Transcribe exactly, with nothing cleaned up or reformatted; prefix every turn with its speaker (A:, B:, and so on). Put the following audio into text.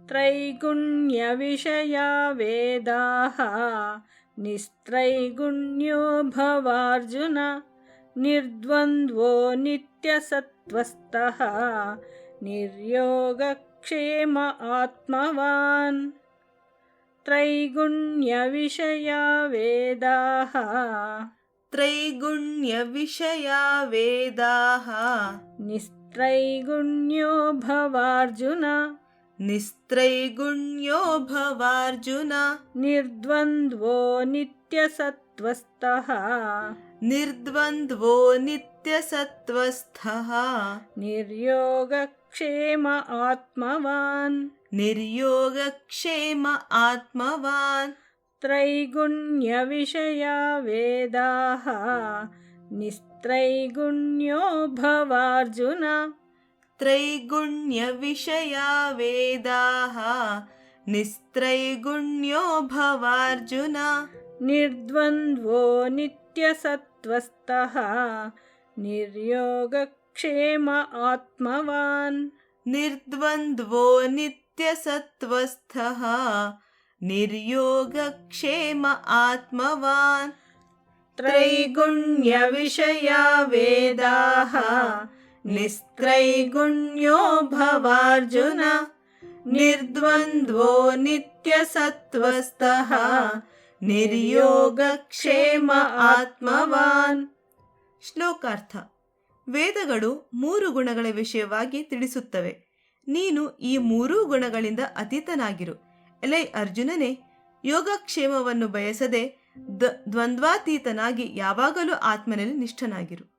A: त्रैगुण्यविषया वेदाः निस्त्रैगुण्यो भवार्जुन निर्द्वन्द्वो नित्यसत्त्वस्थः निर्योगक्षेम आत्मवान्। त्रैगुण्यविषया वेदाः
B: त्रैगुण्यविषया वेदाः
A: निस्त्रैगुण्यो भवार्जुन
B: निस्त्रैगुण्यो भवार्जुन
A: निर्द्वन्द्वो नित्यसत्त्वस्थः
B: निर्द्वन्द्वो नित्यसत्त्वस्थः
A: निर्योगक्षेम आत्मवान्
B: निर्योगक्षेम आत्मवान्।
A: त्रैगुण्यविषया वेदाः निस्त्रैगुण्यो भवार्जुन
B: त्रैगुण्यविषया वेदाः निस्त्रैगुण्यो भवार्जुन
A: निर्द्वन्द्वो नित्यसत्त्वस्थः निर्योगक्षेम आत्मवान्
B: निर्द्वन्द्वो नित्यसत्त्वस्थः निर्योगक्षेम आत्मवान्।
A: त्रैगुण्यविषया वेदाः निस्त्रैगुण्यो भवार्जुन निर्द्वन्द्वो नित्यसत्त्वस्थः ನಿರ್ಯೋಗಕ್ಷೇಮ ಆತ್ಮವಾನ್.
B: ಶ್ಲೋಕಾರ್ಥ. ವೇದಗಳು ಮೂರು ಗುಣಗಳ ವಿಷಯವಾಗಿ ತಿಳಿಸುತ್ತವೆ. ನೀನು ಈ ಮೂರೂ ಗುಣಗಳಿಂದ ಅತೀತನಾಗಿರು. ಎಲೈ ಅರ್ಜುನನೇ, ಯೋಗಕ್ಷೇಮವನ್ನು ಬಯಸದೆ ದ್ವಂದ್ವಾತೀತನಾಗಿ ಯಾವಾಗಲೂ ಆತ್ಮನಲ್ಲಿ ನಿಷ್ಠನಾಗಿರು.